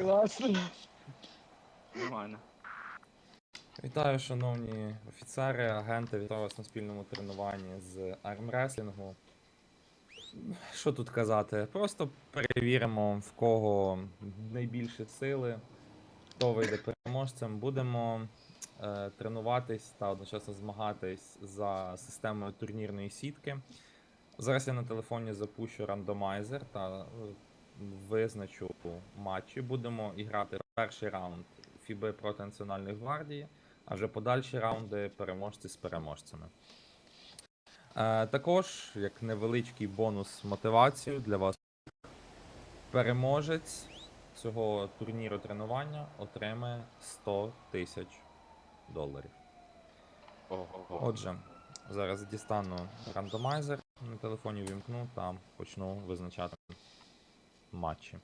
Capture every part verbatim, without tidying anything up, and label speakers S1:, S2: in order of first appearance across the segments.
S1: Класно.
S2: Нормально.
S3: Вітаю, шановні офіцери, агенти, вітаю вас на спільному тренуванні з армреслінгу. Що тут казати? Просто перевіримо, в кого найбільше сили, хто вийде переможцем. Будемо е, тренуватись та одночасно змагатись за системою турнірної сітки. Зараз я на телефоні запущу рандомайзер та е, визначу матчі. Будемо іграти перший раунд Фіби проти Національної гвардії, а вже подальші раунди переможці з переможцями. Е, також, як невеличкий бонус мотивацію для вас, переможець цього турніру тренування отримає сто тисяч доларів.
S2: Ого.
S3: Отже, зараз дістану рандомайзер на телефоні, вімкну та почну визначати матчі.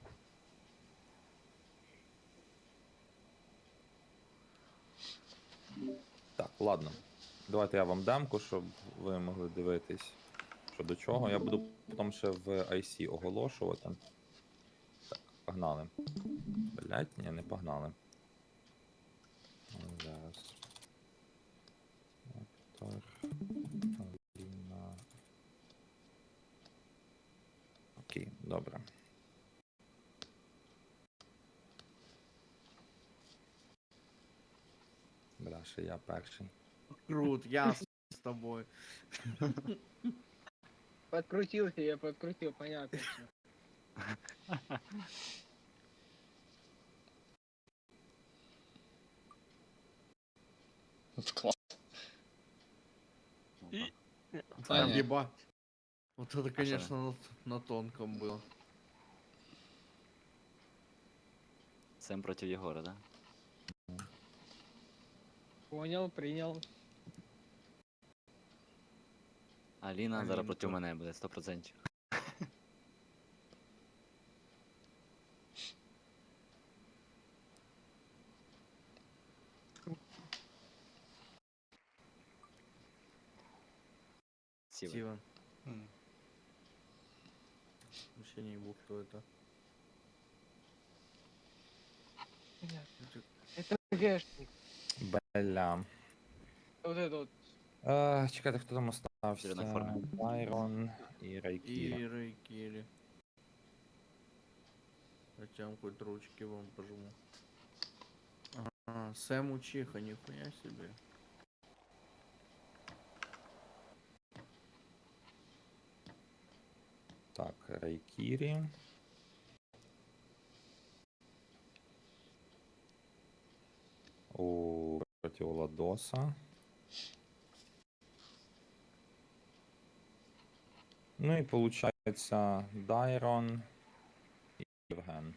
S3: Так, ладно. Давайте я вам демку, щоб ви могли дивитись, що до чого. Я буду потім ще в ай сі оголошувати. Так, погнали. Блять, ні, не погнали. Зараз. Актор. Аліна. Окей, добре. Бля, ще я перший.
S4: Крут, я с с тобой.
S1: Подкрутился, я подкрутил, понятно всё.
S5: Класс.
S2: И...
S5: А, нет.
S4: Ебать. Вот это,
S2: А
S4: конечно, на, на тонком было.
S2: Сэм против Егора, да?
S1: Понял, принял.
S2: Аліна зараз
S4: Алінка.
S2: проти мене буде, сто процентів. Сіва.
S4: Стивен.
S5: М.
S4: Вообще не ебу, кто это.
S1: Понятно. Это гэшник.
S3: Бля.
S1: Вот это вот.
S3: Е, чекайте, хто там остався?
S2: Зелена форма.
S3: Байрон і Райкіра.
S4: И Рейкири. Хотя хоть ручки вам пожму. Ага, Сэм Учиха, нихуя себе.
S3: Так, Райкірі. У проти Оладоса. Ну і получається Дайрон і Євген.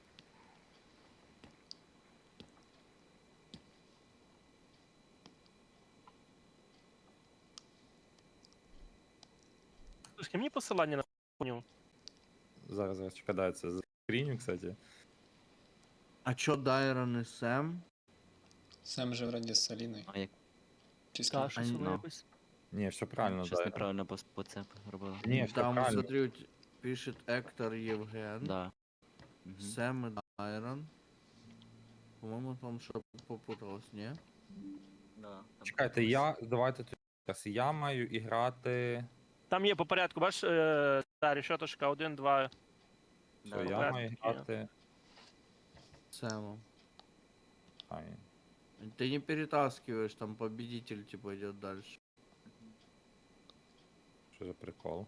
S6: Слушай, мені посилання на поняв.
S3: Зараз, зараз чекаю, це за скріню, кстати.
S4: А чё Дайрон и Сэм?
S5: Сэм же вроде с Алиной.
S2: А як
S5: Чи з ким?
S6: Та, щось
S4: Ань,
S6: воно
S2: ну.
S6: якось.
S3: Ні, все правильно,
S2: щось
S3: Дайрон.
S2: неправильно по, по це робила?
S3: Ні, все
S4: Там,
S3: правильно.
S4: смотри, у т- пишет Эктор Евген.
S2: Да. Мгм.
S4: Сэм и Дайрон. По-моему, там что попуталось, не?
S2: Да, там
S3: Чекайте, я, давайте тоді раз. Я маю іграти.
S6: Там є по порядку, бачиш, е, та решеточка один, два.
S3: Все,
S2: Да,
S3: я
S6: порядку
S3: маю
S6: такі є.
S3: грати.
S4: Сэмом.
S3: Ай,
S4: Ты не перетаскиваешь, там победитель типа идет дальше.
S3: що за прикол?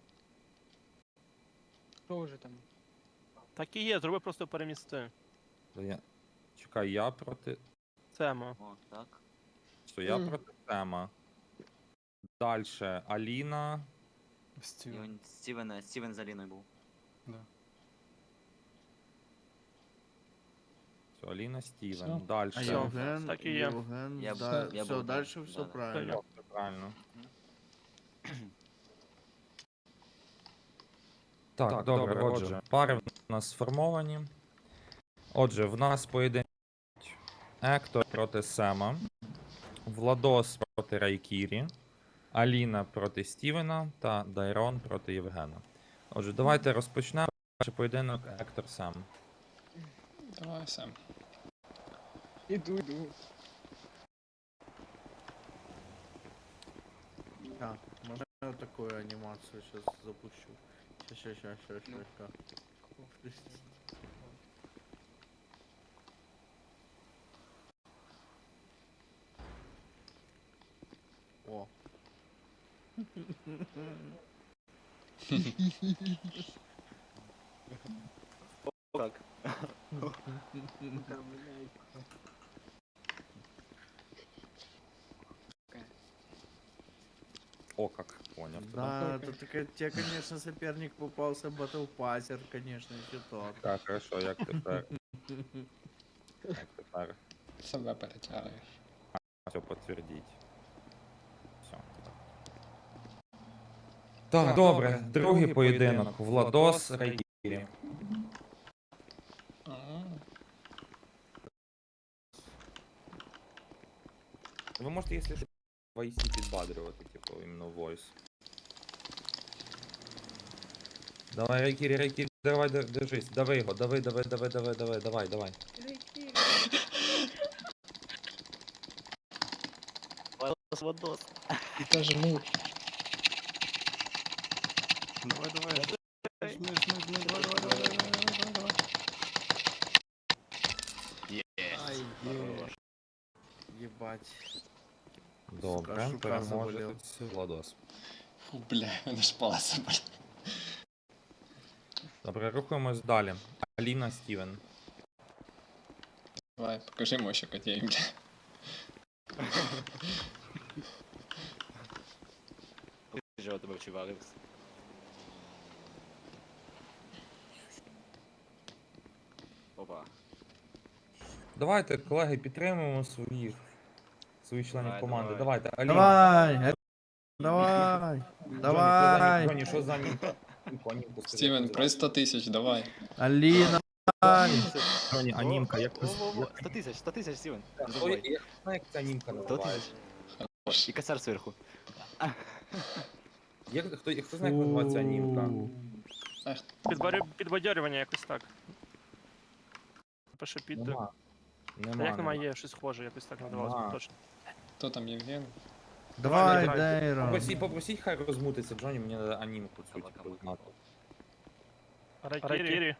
S1: Что уже там?
S6: Так і є, зроби просто перемісти.
S3: Та я... Чекай, я проти.
S6: Цемо.
S2: О, так.
S3: Що я
S1: Мгм.
S3: проти Тема. Дальше Аліна.
S5: Стивен.
S2: Стівен, Стівен, Стівен з Аліною був.
S5: Да.
S3: Все, Аліна, Стівен.
S5: Всё.
S3: Дальше.
S4: А
S6: Всё.
S4: Евген,
S6: так и я.
S4: Евген,
S2: Я б-
S4: да,
S2: я
S4: все,
S2: был, да.
S4: дальше все
S2: Да, да.
S4: правильно.
S3: Все правильно. Так,
S5: Так,
S3: добре,
S5: добре,
S3: отже, пари в нас сформовані. Отже, в нас поєдинок Ектор проти Сема, Владос проти Райкірі, Аліна проти Стівена та Дайрон проти Євгена. Отже, давайте розпочнемо. Перший поєдинок Ектор Сем.
S5: Давай, Сэм.
S1: Иду, иду.
S4: Так, можно я такую анимацию сейчас запущу? Сейчас, сейчас, сейчас, сейчас, сейчас. О.
S2: Так.
S3: О, как, понял.
S4: Да, это такая, тебе, конечно, соперник попался, батлпассер, конечно, еще тот.
S3: Так, хорошо, як тепер? Як тепер?
S5: Себе перетягуєш.
S3: Все підтвердіть. Все. Так, добре. Другий поєдинок. Владос Райкірі.
S5: Ага.
S3: Ви можете, якщо що, в ай сі підбадрювати, типу, іменно voice. Давай, Райкірі, Райкірі, давай, дер- держись, дави його, дави, дави, дави, дави, давай, давай, давай.
S2: Владос, Владос.
S5: І та жму.
S2: Давай, давай.
S5: Жми, жми, жми, давай, давай, давай, давай, давай, давай.
S2: Єсть. Хорош.
S4: Ебать.
S3: Добре,
S4: Шука
S3: переможе
S4: заболів.
S3: тут Владос.
S5: Фу, бля, мене ж палець заболів.
S3: Добре, рухаємось далі. Аліна Стівен.
S5: Давай, покажи мощі котей, бля.
S2: Що тебе вчив, Опа.
S3: Давайте, колеги, підтримуємо своїх, своїх членів
S2: Давай,
S3: команди.
S2: давай.
S3: Давайте, Аліна.
S4: Давай, давай, давай.
S3: Джоні, що за ним? Анімку скажи,
S5: Стівен,
S3: що
S5: при сто тисяч, давай.
S4: Алина.
S3: за- Джоні, анімка, як ти...
S2: Во-во-во, сто тисяч, сто тисяч, Стівен. Не
S3: Хто-
S2: забувай.
S3: Я знаю, як ця анімка
S2: сто
S3: називається.
S2: тисяч. І косар зверху.
S3: Як, хто, хто знає, як називається анімка?
S6: Підборю- Підбадьорювання якось так. Пише під.
S3: Нема.
S6: Та
S3: Нема,
S6: як немає,
S3: нема.
S6: є щось схоже, якось так називалося
S3: Нема.
S6: точно.
S5: Хто там, Євген?
S4: Давай,
S6: давай.
S4: Дайрон.
S3: Попросіть, попросіть, хай розмутиться, Джоні, мені треба анімку цю,
S2: Кава,
S3: типу,
S2: кава,
S3: знати.
S6: Райкірі.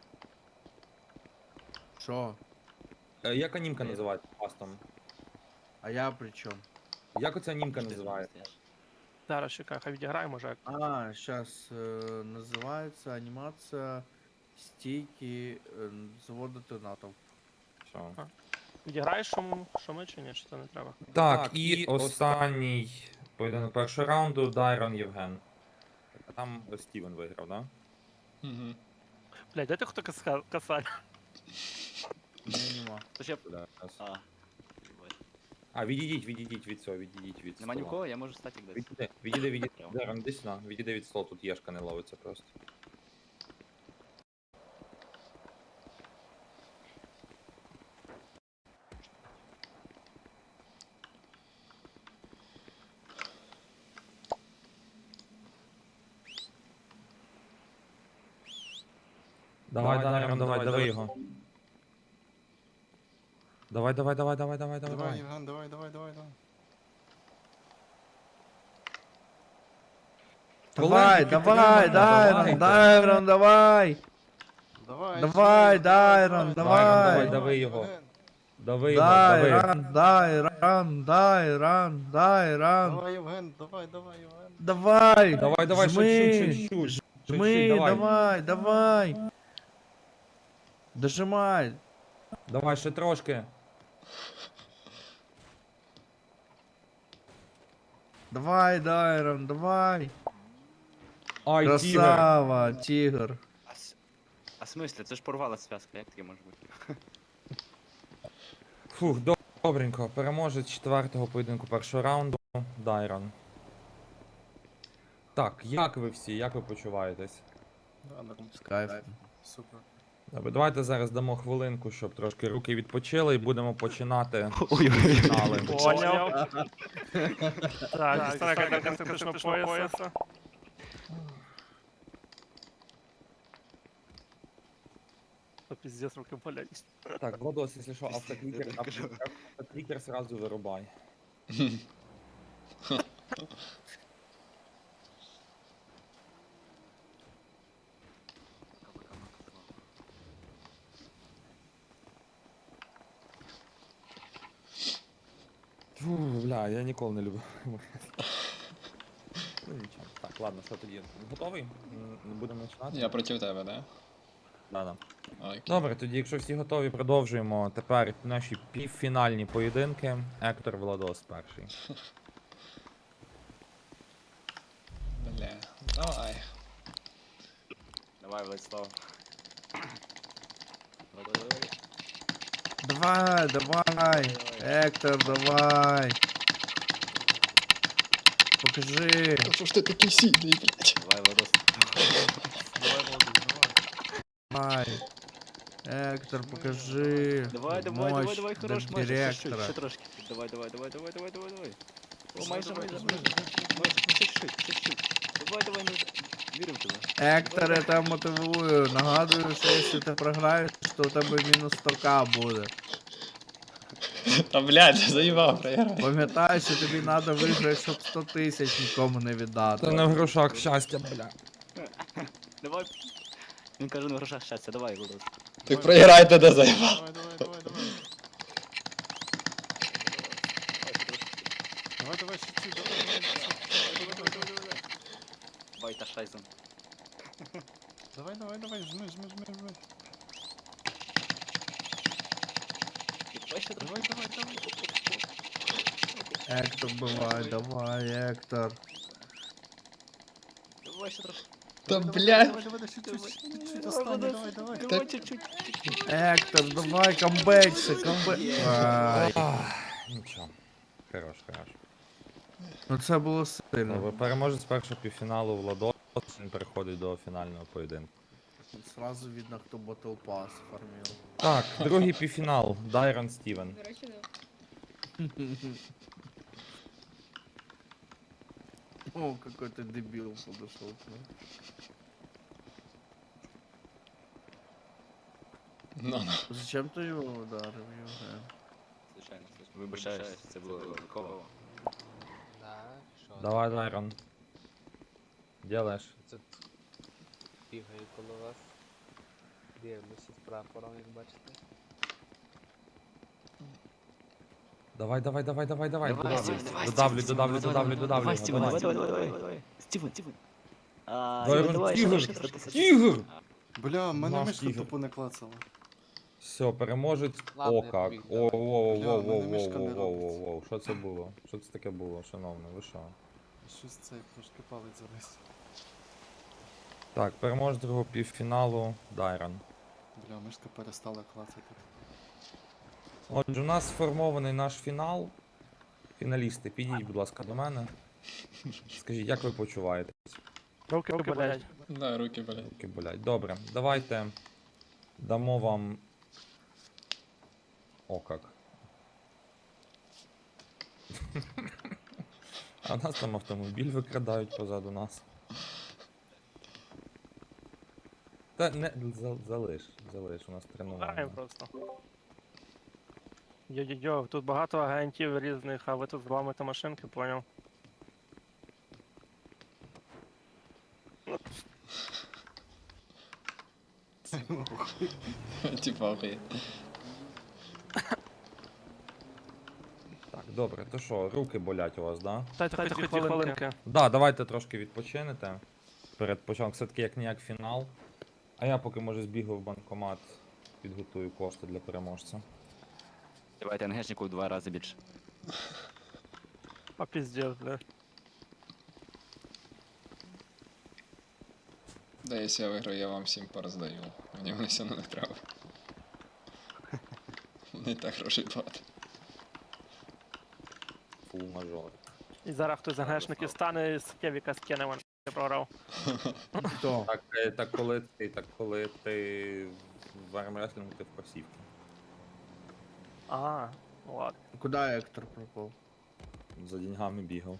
S4: Шо?
S3: Е, Як анімка називається пастом?
S4: А я при чем?
S3: Як оця анімка
S2: Що ти
S3: називається?
S2: стоїш?
S6: Зараз чекай, хай відіграє, може. як.
S4: А, сейчас называется анимация стейки э, завода тонатов.
S3: Все.
S6: Відіграєш, що, м- що ми чи ні, чи це не треба?
S3: Так, і останній поєдинок першого раунду Дайрон Євген. А там Стівен виграв, да?
S5: Угу.
S6: Блядь, де ти хто каска- касар?
S4: Не, нема.
S2: То ще...
S3: Да.
S2: А.
S3: А, відійдіть, відійдіть від цього, відійдіть від
S2: Нема
S3: стола.
S2: нікого, я можу стати десь.
S3: Відійди, відійди, відійди.
S2: Прямо.
S3: Дайрон, іди сюди, відійди від столу, тут єшка не ловиться просто. Давай, Дайрон, давай, давай його. Давай, давай, давай, давай, давай, давай, давай.
S5: Євген, давай, давай, давай, давай.
S4: Давай, давай, Дайрон, Дайрон, давай.
S5: Давай,
S4: Давай, Дайрон,
S3: давай,
S4: давай.
S3: дави його. Дави його, дави.
S4: Дайрон, Дайрон, Дайрон, Дайрон.
S5: Давай, Євген, давай, давай, Євген.
S4: Давай.
S3: Давай, давай,
S4: Жми.
S3: шуть, шуть, шуть, шуть,
S4: Жми,
S3: шуть, давай.
S4: давай, давай. Дожимай.
S3: Давай, ще трошки.
S4: Давай, Дайрон, давай.
S3: Ай, тігр.
S4: Красава, тигр.
S2: А, с- а в смислі, це ж порвала зв'язка, як таке може бути?
S3: Фух, доб- добренько. Переможець четвертого поєдинку першого раунду Дайрон. Так, як ви всі, як ви почуваєтесь?
S5: Да, норм.
S4: С кайфом.
S5: Супер.
S3: Добре, давайте зараз дамо хвилинку, щоб трошки руки відпочили і будемо починати
S2: Ой-ой-ой.
S3: фінали.
S6: Поняв. Так, дістане карта критичного пояса. то піздець руки болять.
S3: Так, Владос, якщо що, автоклікер,
S2: Я так кажу.
S3: автоклікер сразу вирубай. Фу, бля, я ніколи не люблю. Ну нічого. Так, ладно, що тоді? Готовий? М, Будемо починати?
S5: Я проти тебе, да?
S3: Да, да.
S5: Окей.
S3: Добре, тоді, якщо всі готові, продовжуємо тепер наші півфінальні поєдинки. Ектор Владос перший.
S5: Бля, давай.
S2: Давай, Владислав. Давай, давай, давай.
S4: Давай, давай, Ектор, давай. Покажи.
S5: Та що ж ти такий сильний, блядь?
S2: Давай, Владос.
S4: Давай. Ектор, покажи.
S2: Давай, давай, давай,
S4: мощь
S2: давай, хорош,
S4: до
S2: майже, ще чуть,
S4: директора.
S2: ще трошки. Давай, давай, давай, давай, давай, давай, давай. О, майже, майже, майже. Майже, чуть-чуть, чуть-чуть. Давай, давай, ми віримо в тебе.
S4: Ектор, я тебе мотивую. Нагадую, що якщо ти програєш, то у тебе мінус сто ка буде.
S5: Та блядь, заїбав, проіграй.
S4: Пам'ятай, що тобі треба виграти, щоб сто тисяч нікому не
S3: Це
S4: віддати.
S3: не в грошах щастя, бля.
S2: Давай. Він каже, на грошах щастя, давай, Владос.
S5: Так проіграй тоді, заїбав.
S1: Давай, давай, давай, давай. Давай, давай, ще чуть, давай, давай, давай, давай, давай, давай.
S2: Давай, та шайзен.
S1: Давай, давай, давай, жми, жми, жми, жми.
S2: Давай ще
S1: Давай, давай, давай.
S4: Ектор, давай, давай, Ектор.
S2: Давай ще трошки.
S5: Та
S1: Давай,
S5: блядь.
S1: Давай, давай, ще чуть, чуть, останній, давай, давай.
S2: Давай, чуть-чуть.
S4: Ектор, давай, камбекси, камбек. Ай.
S3: Ах, Нічого. Хорош, хорош.
S4: Ну це було сильно.
S3: Добре, переможець першого півфіналу Владос, він переходить до фінального поєдинку.
S4: Сразу видно, хто Battle Pass фармил.
S3: Так, другий півфінал. Дайрон Стівен.
S7: До речі, да.
S4: О, какой ты дебил подошел к нам.
S5: Ну, ну.
S4: Зачем ты его ударил, Євген?
S2: Звичайно, звичайно. Вибачаюсь, це було випадково.
S8: Да, що?
S3: Давай, Дайрон. Делаєш.
S8: Це бігаю коло вас. Дивлюся з прапором, як бачите.
S3: Давай, давай, давай, давай, давай.
S2: Давай,
S3: Додавлю,
S2: Стівен, давай,
S3: додавлю,
S2: Стівен,
S3: додавлю,
S2: давай,
S3: додавлю,
S2: давай,
S3: додавлю.
S2: Давай,
S3: його,
S2: Стівен, давай,
S3: давай.
S2: давай, давай, давай. Стівен, Стівен. А,
S3: Дайрон,
S2: Ігор, давай,
S3: Ігор,
S2: ще трошки, трошки.
S3: Ігор!
S1: Бля, в мене
S3: Наш
S1: мишка
S3: ігор.
S1: тупо не клацала.
S3: Все, переможець.
S8: Ладно,
S3: О,
S8: я
S3: как.
S8: побіг,
S3: О,
S8: давай.
S3: воу,
S1: Бля,
S3: воу,
S1: в
S3: воу,
S1: мене мишка
S3: воу,
S1: не
S3: воу, воу,
S1: робиться.
S3: воу. Що це було? Що це таке було, шановне? Ви що?
S1: Щось цей трошки палець завис.
S3: Так, переможець другого півфіналу Дайрон.
S1: Бля, мишка перестала клацати.
S3: Отже, у нас сформований наш фінал. Фіналісти, підійдіть, будь ласка, до мене. Скажіть, як ви почуваєтесь?
S6: Руки болять.
S5: Да, руки, блядь.
S3: Руки болять. Добре, давайте дамо вам. О, как. А у нас там автомобіль викрадають позаду нас. Та не за- залиш, залиш, у нас
S6: Граємо
S3: тренування.
S6: просто. Йо-йо-йо, тут багато агентів різних, а ви тут зламуєте машинки, поняв?
S5: Типа, окей.
S3: Так, добре, то що, руки болять у вас, да?
S6: Дайте хоч дві хвилинки.
S3: Да, давайте трошки відпочинете. Перед початком все-таки як ніяк фінал. А я поки може збігаю в банкомат, підготую кошти для переможця.
S2: Давайте ангешнику в два рази більше.
S6: А піздець, бля.
S5: Да, якщо я виграю, я вам всім пороздаю. Мені вони все одно не треба. Не так грошей багато.
S3: Фул мажор.
S6: І зараз хтось з агентників стане і з Кевіка скине, він програв.
S4: Хто?
S3: Так, е, так коли ти, так коли ти в армреслінгу, ти в просівці.
S6: А, ну ладно.
S4: Куди Ектор пропав?
S3: За деньгами бігав.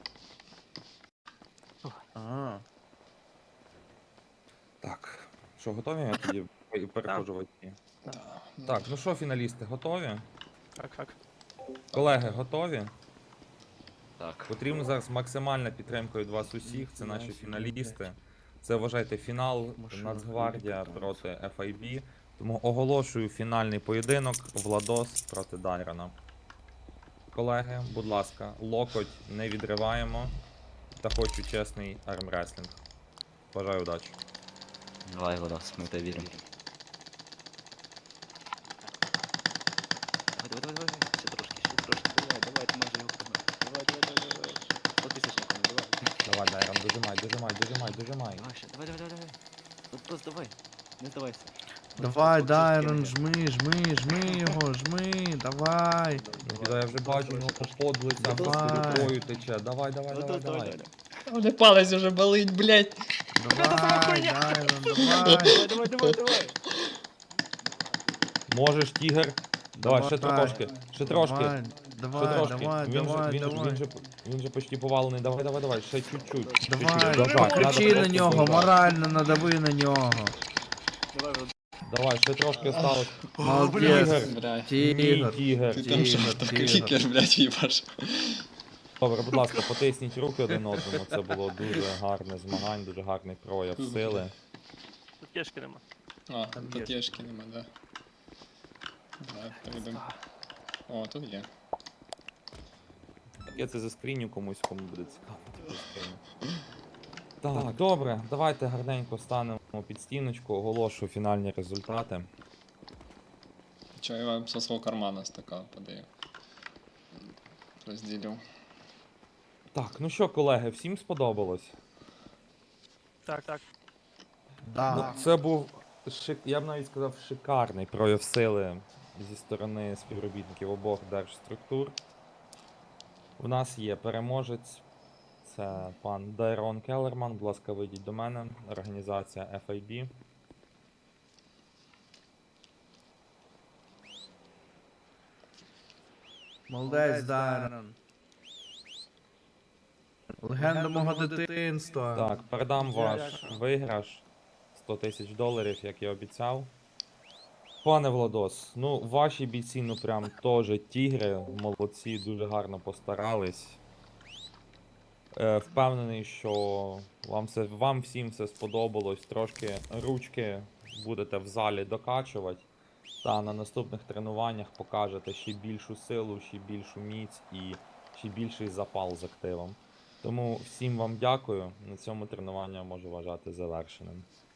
S4: А,
S3: Так. Що, готові? Я тоді переходжу в ай ті. Так, ну що, фіналісти, готові?
S6: Так, так.
S3: Колеги, готові?
S2: Так.
S3: Потрібна зараз максимальна підтримка від вас усіх. Це наші фіналісти. Це, вважайте, фінал Нацгвардія проти еф ай бі. Тому оголошую фінальний поєдинок Владос проти Дайрона. Колеги, будь ласка, локоть не відриваємо. Та хочу чесний армреслінг. Бажаю удачі.
S2: Давай, Владос, ми в тебе віримо. Давай, давай, давай, давай. Ще трошки, ще трошки. Давай, давай, ти майже його втримав. Давай, давай, давай, давай. сто тисяч на кону, давай.
S3: Давай, Дайрон, дожимай, дожимай, дожимай, дожимай.
S2: Давай ще, давай, давай, давай, давай. Владос, давай. Не здавайся.
S4: Давай,
S2: Владос,
S4: Дайрон,
S2: скине.
S4: жми, жми, жми його, жми, давай.
S3: Нікіда, я вже бачу, у нього подлиця
S4: Давай.
S3: просто рукою тече. Давай, давай, давай,
S2: Владос, давай,
S3: давай.
S2: давай.
S5: У мене палець уже болить, блядь.
S4: Давай, Дайрон, давай.
S2: Давай, давай, давай, давай.
S3: Можеш, тігр. Давай, ще
S4: Давай.
S3: трошки, ще трошки.
S4: Давай,
S3: Ще
S4: давай,
S3: трошки.
S4: давай,
S3: Він же,
S4: давай,
S3: він, же-
S4: давай.
S3: він же, він же почти повалений. Давай, давай, давай, ще чуть-чуть. Чуть-чуть.
S4: Давай,
S3: Дожать,
S4: покричи
S3: надо
S4: на
S3: просто
S4: нього,
S3: дожать.
S4: морально надави на нього.
S2: Давай, Владос.
S3: Давай, ще трошки осталось.
S4: Молодець.
S5: Блядь.
S3: Ні,
S4: Тігр.
S3: тігр.
S5: Ти там що,
S4: Тігр,
S5: там
S4: тігр.
S5: клікер, блядь, їбаш.
S3: Добре, будь ласка, потисніть руки один одному. Це було дуже гарне змагання, дуже гарний прояв сили.
S6: Тут кешки нема.
S5: А,
S4: Там
S5: тут
S4: є.
S5: є шки нема, да. Да, перейдемо. О, тут є.
S3: Я це заскріню комусь, кому буде цікаво. заскріню. Так, добре, давайте гарненько станемо під стіночку, оголошу фінальні результати.
S5: Чо, я вам со свого кармана стакан подаю. Розділю.
S3: Так, ну що, колеги, всім сподобалось?
S6: Так, так.
S4: Да.
S3: Ну, це був, шик... я б навіть сказав, шикарний прояв сили зі сторони співробітників обох держструктур. У нас є переможець, це пан Дайрон Келлерман, будь ласка, вийдіть до мене, організація еф ай бі.
S4: Молодець, Дайрон. Легенда мого дитинства.
S3: Так, передам ваш виграш сто тисяч доларів, як і обіцяв. Пане Владос, ну ваші бійці, ну прям теж тігри, молодці, дуже гарно постарались. Е, впевнений, що вам, все, вам всім все сподобалось. Трошки ручки будете в залі докачувати. Та на наступних тренуваннях покажете ще більшу силу, ще більшу міць і ще більший запал з активом. Тому всім вам дякую. На цьому тренування можу вважати завершеним.